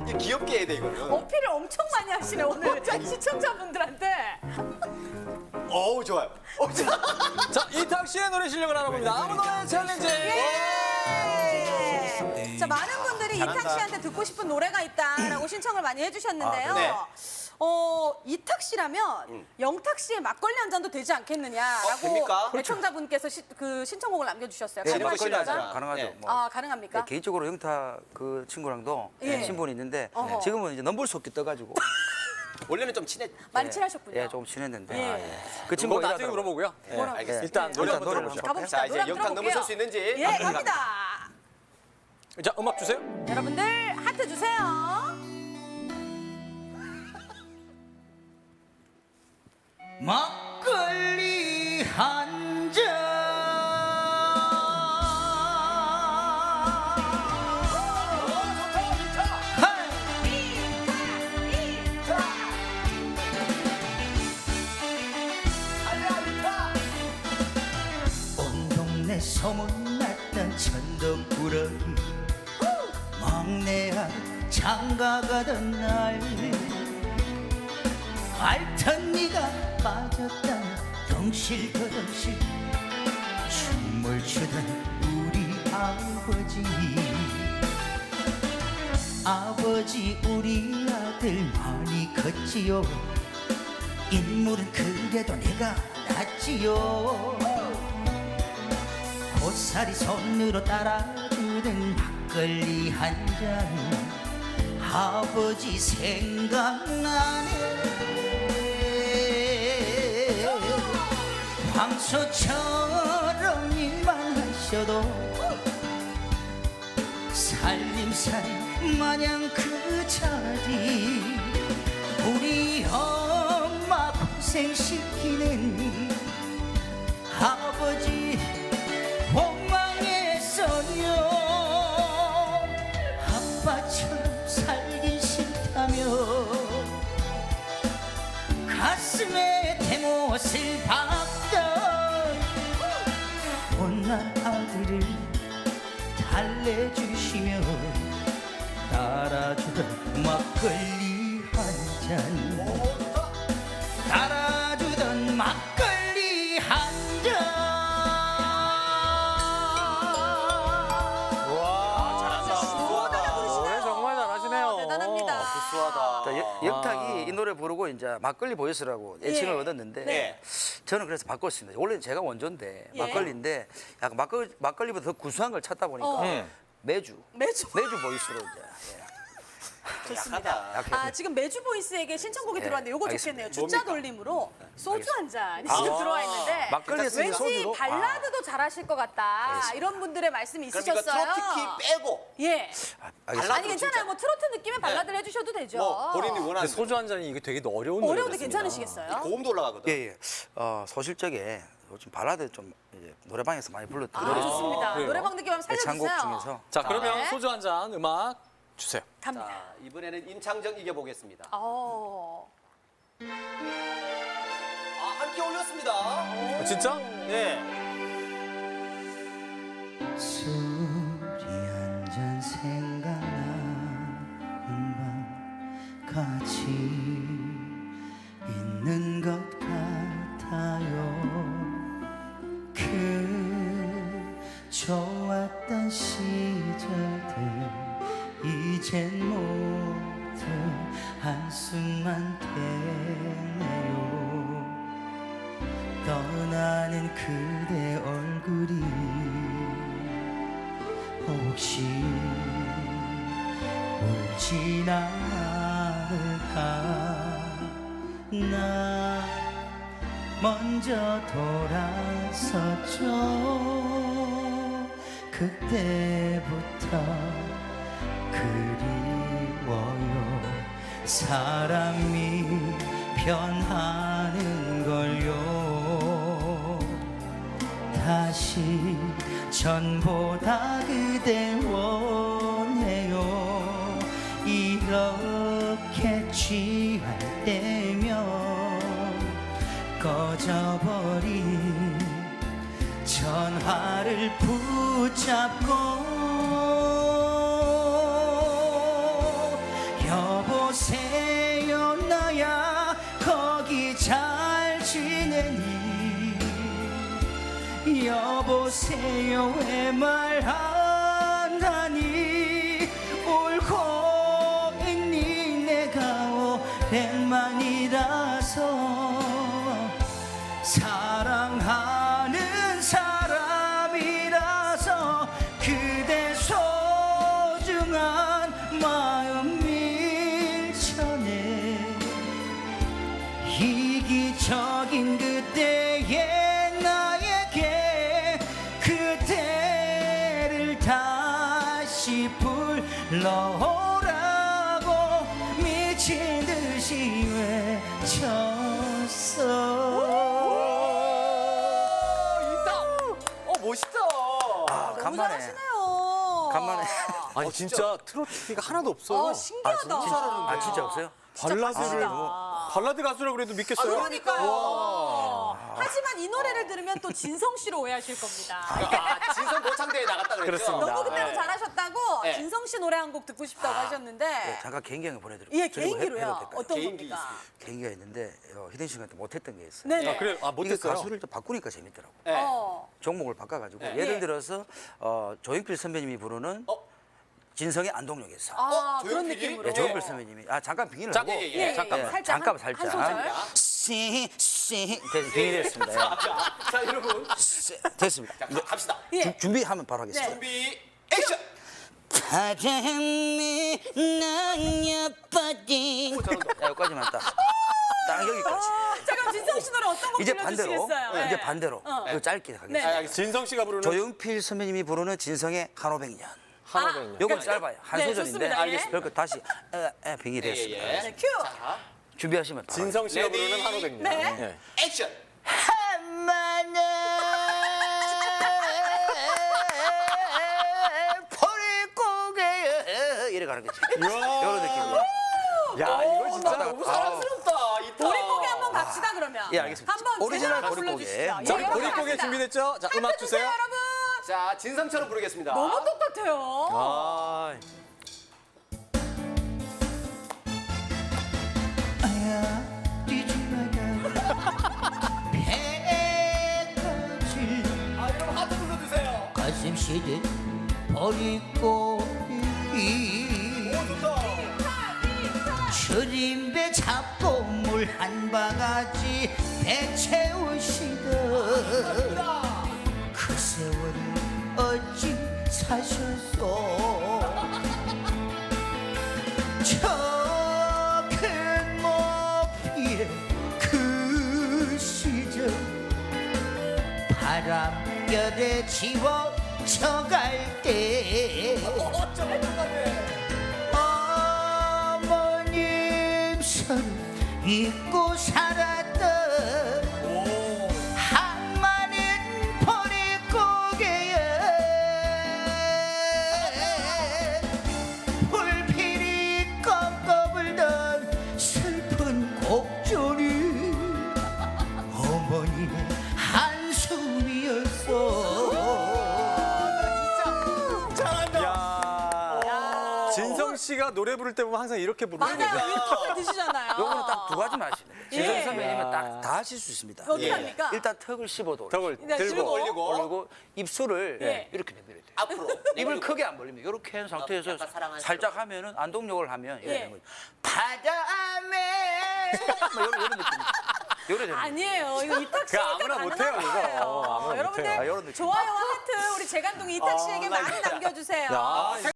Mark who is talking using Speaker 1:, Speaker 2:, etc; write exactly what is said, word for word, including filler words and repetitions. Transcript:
Speaker 1: 이게 귀엽게 해야 돼 이거는.
Speaker 2: 어필을 엄청 많이 하시네 오늘 시청자분들한테.
Speaker 1: 어우 좋아요. 어, 자,
Speaker 3: 자, 이탁 씨의 노래 실력을 알아봅니다. 아무 노래 챌린지.
Speaker 2: 예! 자, 많은 분들이
Speaker 1: 잘한다.
Speaker 2: 이탁 씨한테 듣고 싶은 노래가 있다라고 신청을 많이 해주셨는데요.
Speaker 1: 아, 네.
Speaker 2: 어, 이탁 씨라면 영탁 씨의 막걸리 한 잔도 되지
Speaker 1: 어,
Speaker 2: 않겠느냐라고
Speaker 1: 됩니까?
Speaker 2: 애청자분께서 시, 그 신청곡을 남겨주셨어요.
Speaker 1: 네,
Speaker 2: 가능하십니까?
Speaker 1: 막걸리 한 잔.
Speaker 4: 가능하죠.
Speaker 1: 네.
Speaker 4: 뭐.
Speaker 2: 아, 가능합니까?
Speaker 4: 네, 개인적으로 영탁 그 친구랑도
Speaker 2: 예.
Speaker 4: 친분이 있는데
Speaker 2: 어허.
Speaker 4: 지금은 이제 넘볼 수 없게 떠가지고
Speaker 1: 원래는 좀 친해.
Speaker 2: 많이
Speaker 4: 예,
Speaker 2: 친하셨군요.
Speaker 4: 예, 조금 친했는데
Speaker 2: 예.
Speaker 4: 아, 예. 그
Speaker 3: 그건
Speaker 4: 친구가
Speaker 3: 나중에
Speaker 4: 일하다가-
Speaker 3: 물어보고요.
Speaker 1: 네,
Speaker 2: 뭐라고?
Speaker 1: 알겠습니다.
Speaker 3: 일단 노래
Speaker 4: 일단
Speaker 3: 한번
Speaker 4: 노래를
Speaker 3: 들어보죠.
Speaker 2: 가봅시다.
Speaker 1: 자, 이제
Speaker 2: 노래 한번
Speaker 1: 영탁
Speaker 2: 들어볼게요.
Speaker 1: 넘어설 수 있는지.
Speaker 2: 예,
Speaker 1: 갑니다.
Speaker 2: 갑니다.
Speaker 3: 자, 음악 주세요.
Speaker 2: 여러분들 하트 주세요.
Speaker 4: 막걸리 한 잔. 온 동네 소문났던 천덕꾸러기 막내야 장가가던 날 알턴 니가 빠졌다 덩실거덩실 춤을 추던 우리 아버지 아버지 우리 아들 많이 컸지요 인물은 그래도 내가 낫지요 고사리 손으로 따라주던 막걸리 한 잔 아버지 생각나네 황소처럼 일만 하셔도 살림살이 마냥 그 자리 우리 엄마 고생시키는 아버지 원망했어요 아빠처럼 살긴 싫다며 가슴에 대못을 박던 못난 아들을 달래주시며 따라주던 막걸리 한잔 따라주던 막걸리 한잔
Speaker 3: 와,
Speaker 1: 잘한다.
Speaker 3: 노래 정말 잘하시네요.
Speaker 2: 대단합니다.
Speaker 1: 구수하다.
Speaker 4: 자, 여- 영탁이 이 노래 부르고 이제 막걸리 보이스라고 애칭을
Speaker 2: 예.
Speaker 4: 얻었는데
Speaker 1: 네.
Speaker 4: 저는 그래서 바꿨습니다. 원래 제가 원조인데
Speaker 2: 예.
Speaker 4: 막걸리인데 약간 막걸리, 막걸리보다 더 구수한 걸 찾다 보니까
Speaker 2: 어.
Speaker 3: 음.
Speaker 4: 매주
Speaker 2: 매주.
Speaker 4: 매주 보이스로 이제
Speaker 1: 약하다.
Speaker 4: 예.
Speaker 2: 아, 지금 매주 보이스에게 신청곡이
Speaker 4: 네,
Speaker 2: 들어왔는데 요거
Speaker 4: 알겠습니다.
Speaker 2: 좋겠네요. 주자
Speaker 1: 뭡니까?
Speaker 2: 돌림으로 소주 한 잔이
Speaker 1: 아.
Speaker 2: 지금 들어와 있는데
Speaker 4: 막걸리 쓰기
Speaker 2: 왠지
Speaker 4: 소주로
Speaker 2: 발라드도 잘하실 것 같다. 이런 분들의 말씀이
Speaker 1: 그럼 이거
Speaker 2: 있으셨어요.
Speaker 1: 트로피키 빼고
Speaker 2: 예.
Speaker 4: 아, 알겠습니다.
Speaker 2: 아니 괜찮아요.
Speaker 1: 진짜.
Speaker 2: 뭐 트로트 느낌의 발라드를 해주셔도 되죠.
Speaker 1: 뭐 본인이
Speaker 3: 근데
Speaker 1: 원하는
Speaker 3: 소주 한 잔이 이게 되게 어려운 노래.
Speaker 2: 어려운데 괜찮으시겠어요?
Speaker 1: 고음도 올라가거든.
Speaker 4: 예, 예. 어, 소실적에 요즘 발라드 좀 이제 노래방에서 많이 불렀던
Speaker 2: 아,
Speaker 4: 노래
Speaker 2: 좋습니다.
Speaker 3: 그래요?
Speaker 2: 노래방 느낌 한번
Speaker 4: 애창곡
Speaker 2: 살려주세요.
Speaker 4: 중에서
Speaker 3: 자, 그러면
Speaker 2: 네.
Speaker 3: 소주 한 잔 음악 주세요.
Speaker 2: 갑니다.
Speaker 1: 자, 이번에는 임창정 이겨보겠습니다.
Speaker 2: 어.
Speaker 1: 아, 함께 올렸습니다.
Speaker 3: 아, 진짜?
Speaker 1: 네.
Speaker 4: 술이 한 잔 생각나는 밤 같이 있는 것 같아요 그 좋았던 시절들 이젠 모두 한숨만 되네요 떠나는 그대 얼굴이 혹시 울진 않을까 나 먼저 돌아섰죠 그때부터 그리워요 사람이 변하는 걸요 다시 전보다 그대 원해요 이렇게 취할 때면 꺼져버린 전화를 붙잡고
Speaker 5: 여보세요 나야 거기 잘 지내니 여보세요 왜 말 안 하니 울고 있니 내가 오랜만이라서 사랑하는 사람이라서 그대 소중한 마음 밀쳐내 이기적인 그때의 나에게 그대를 다시 불러오라고 미친 듯이 외쳤어.
Speaker 1: 어 멋있다.
Speaker 4: 아,
Speaker 2: 너무
Speaker 4: 간만에.
Speaker 2: 잘하시네요.
Speaker 4: 간만에.
Speaker 3: 아니 진짜 트로트가 하나도 없어요.
Speaker 2: 어, 신기하다.
Speaker 4: 아, 진짜 없어요?
Speaker 3: 발라드를
Speaker 2: 진짜
Speaker 3: 뭐 발라드 가수라고 그래도 믿겠어요?
Speaker 2: 그러니까요. 하지만 이 노래를 들으면 또 진성 씨로 오해하실 겁니다.
Speaker 1: 아, 진성 고창대에 나갔다 그랬죠.
Speaker 3: 그렇습니다.
Speaker 2: 너무 그때로
Speaker 1: 네.
Speaker 2: 잘하셨다고
Speaker 1: 네.
Speaker 2: 진성 씨 노래 한 곡 듣고 싶다고 하셨는데
Speaker 4: 네, 잠깐 개인기를 보내드릴게요.
Speaker 2: 예, 개인기로요. 어떤
Speaker 1: 개인기
Speaker 2: 겁니까?
Speaker 4: 개인기가 있는데 어, 희동 씨한테 못했던 게 있어요.
Speaker 2: 네네.
Speaker 3: 아, 그래? 아,
Speaker 4: 이게
Speaker 3: 못했어요?
Speaker 4: 가수를 좀 바꾸니까 재밌더라고.
Speaker 1: 네.
Speaker 2: 어.
Speaker 4: 종목을 바꿔가지고
Speaker 1: 네.
Speaker 4: 예를
Speaker 2: 예.
Speaker 4: 들어서 어, 조용필 선배님이 부르는
Speaker 1: 어?
Speaker 4: 진성의 안동역에서
Speaker 2: 아,
Speaker 1: 어,
Speaker 2: 그런
Speaker 1: 조용필이?
Speaker 2: 느낌으로.
Speaker 4: 네, 조용필 선배님이 아 잠깐 빙의를
Speaker 3: 잠깐,
Speaker 4: 하고
Speaker 1: 예, 예,
Speaker 2: 예, 예,
Speaker 3: 잠깐만.
Speaker 2: 살짝
Speaker 4: 잠깐
Speaker 2: 한-
Speaker 4: 살짝
Speaker 2: 한 소절.
Speaker 4: 씨씨 빙의됐습니다.
Speaker 1: 자, 자 여러분.
Speaker 4: 씨, 됐습니다.
Speaker 1: 자, 가, 갑시다.
Speaker 2: 예.
Speaker 4: 주- 준비하면 바로
Speaker 2: 네.
Speaker 4: 하겠습니다.
Speaker 1: 준비 액션.
Speaker 4: 바람이 날려버린 야, 여기까지만 딱. 딱 여기까지.
Speaker 2: 어, 자 그럼 진성 씨 노래 어떤 곡
Speaker 4: 이제 반대로
Speaker 2: 들려주시겠어요? 네.
Speaker 4: 이제 반대로
Speaker 2: 어.
Speaker 4: 이거 짧게
Speaker 2: 네.
Speaker 4: 하겠습니다.
Speaker 1: 아, 알겠습니다.
Speaker 3: 진성 씨가 부르는
Speaker 4: 조용필 선배님이 부르는 진성의 한오백 년.
Speaker 3: 한오백 년.
Speaker 4: 요건 짧아요. 한
Speaker 2: 네,
Speaker 4: 소절인데.
Speaker 2: 좋습니다. 알겠습니다.
Speaker 4: 그러니까 다시 에, 에, 빙이
Speaker 1: 예,
Speaker 4: 됐습니다.
Speaker 1: 예, 예.
Speaker 2: 네, 큐.
Speaker 1: 자,
Speaker 4: 준비하시면 바로
Speaker 3: 진성 씨가
Speaker 1: 레디.
Speaker 3: 부르는 한오백 년.
Speaker 2: 네.
Speaker 3: 예.
Speaker 1: 액션.
Speaker 4: 한마늘 버리고개 이래 가는 거지. 이런 느낌이에요.
Speaker 3: 야, 이거 진짜
Speaker 1: 너무 사랑스럽다. 이
Speaker 2: 보릿고개 한번 갑시다 그러면.
Speaker 4: 예, 알겠습니다.
Speaker 2: 한번
Speaker 4: 오리지널
Speaker 2: 제대로
Speaker 4: 보릿고개.
Speaker 2: 불러주시죠.
Speaker 3: 자,
Speaker 2: 예, 여러분
Speaker 3: 보릿고개
Speaker 2: 갑시다.
Speaker 3: 준비됐죠? 자, 음악 주세요.
Speaker 2: 여러분.
Speaker 1: 자, 진성처럼 부르겠습니다.
Speaker 2: 너무 똑같아요.
Speaker 3: 아,
Speaker 5: 아야 뛰지 마라 배까지
Speaker 1: 아, 여러분 하트 불러주세요.
Speaker 5: 가슴 시린 버리고기 줄임배 잡고 물 한 바가지 배 채우시던 그 세월을 어찌 사셨소 저 큰 높이에 그 시절 바람결에 지워져갈 때
Speaker 1: 어쩌면 똑같네.
Speaker 5: 어머님 손 잊고 살았던 한마는 보릿고개에 불필이 꺾어 불던 슬픈 곡조리 어머니의 한숨이었어
Speaker 3: 야. 진성 씨가 노래 부를 때 보면 항상 이렇게 부르는 거죠.
Speaker 2: 맞아요. 유튜브에 드시잖아요.
Speaker 4: 요거는 딱 두 가지만 하시면 돼요.
Speaker 2: 예.
Speaker 4: 진성 선배님은 딱 다 하실 수 있습니다.
Speaker 2: 어떻게
Speaker 1: 예.
Speaker 2: 합니까?
Speaker 4: 일단 턱을 씹어도 올리고
Speaker 3: 턱을
Speaker 2: 네,
Speaker 3: 들고
Speaker 2: 들고.
Speaker 1: 올리고.
Speaker 4: 올리고 입술을
Speaker 2: 예.
Speaker 4: 이렇게 내밀어야 돼요.
Speaker 1: 앞으로.
Speaker 4: 입을 크게 안 벌립니다. 이렇게 한 상태에서
Speaker 1: 약간 사랑하는
Speaker 4: 살짝 하면은 안동역을 하면 이래
Speaker 2: 예.
Speaker 4: 되는 거죠. 바람에 뭐 이런, 이런 느낌. 이래 되는 거죠.
Speaker 2: 아니에요. 이거 이탁 씨
Speaker 3: 그거 아무나 못해요, 이거. 아무나
Speaker 2: 여러분들
Speaker 3: 못해요.
Speaker 4: 아, 이런 느낌.
Speaker 2: 좋아요와 하트 우리 재간둥이 이탁 씨에게
Speaker 1: 나
Speaker 2: 많이
Speaker 1: 진짜.
Speaker 2: 남겨주세요.
Speaker 3: 야,